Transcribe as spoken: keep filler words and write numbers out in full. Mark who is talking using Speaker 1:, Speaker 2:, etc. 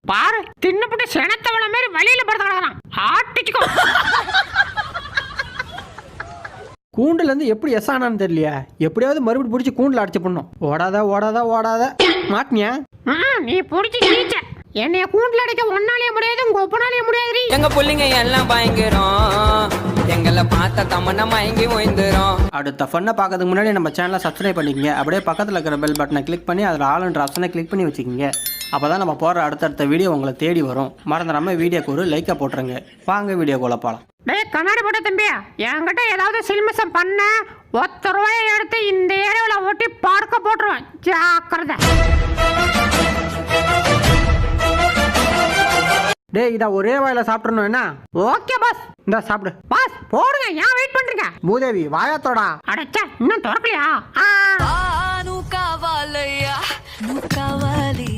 Speaker 1: பாரு தின்னுபட்டு செனத்தவள மாதிரி வழியில படுத்து கிடக்குறான். ஆட்டிச்சுக்கோ.
Speaker 2: கூண்டுல இருந்து எப்படி எஸ் ஆனான்னு தெரியலையா? எப்படியாவது மறுபடியும் பிடிச்சி கூண்டுல அடைச்சு பண்ணும். ஓடாத ஓடாத ஓடாத மாட்டினியா?
Speaker 1: நீ பிடிச்சி ஜீச்ச என்னைய கூண்டுல அடைக்க ஒன்னாலேயே முடியாது, உங்க ஒப்பனாலேயே முடியாது.
Speaker 3: எங்க புள்ளிங்க எல்லாம் பயங்கரம், எங்களை பார்த்த தமன்னா மயங்கி ஓய்ந்துரும்.
Speaker 2: அடுத்த ஃபன்னை பார்க்கறதுக்கு முன்னாடி நம்ம சேனலை சப்ஸ்கிரைப் பண்ணிக்கங்க. அப்படியே பக்கத்தில் இருக்கிற பெல் பட்டனை கிளிக் பண்ணி அதில் ஆளுன்ற ஆப்ஷனை கிளிக் பண்ணி வச்சுக்கோங்க. அப்போ தான் நம்ம போகிற அடுத்தடுத்த வீடியோ உங்களை தேடி வரும். மறந்துடாமல் வீடியோக்கு ஒரு லைக்கை போட்டுருங்க. வாங்க வீடியோக்குள்ள போகலாம்.
Speaker 1: டேய் கண்ணாடி போட்ட தம்பியா, என்கிட்ட ஏதாவது சில்மிசம் பண்ண ஒத்த ரூபாயை எடுத்து இந்த ஏரியாவில் ஒட்டி பார்க்க போட்டுருவேன். ஜாக்கிரதை.
Speaker 2: டேய் இதை ஒரே வாயில சாப்பிட்றணும் என்ன?
Speaker 1: Okay boss.
Speaker 2: இந்த சாப்பிடு
Speaker 1: பாஸ். போடுங்க, ஏன் வெயிட் பண்றீங்க?
Speaker 2: பூதேவி வாயாத்தோடா.
Speaker 1: அடச்சா இன்னும் திறக்கலையா?
Speaker 4: நூ காவாலையா நூ காவாலி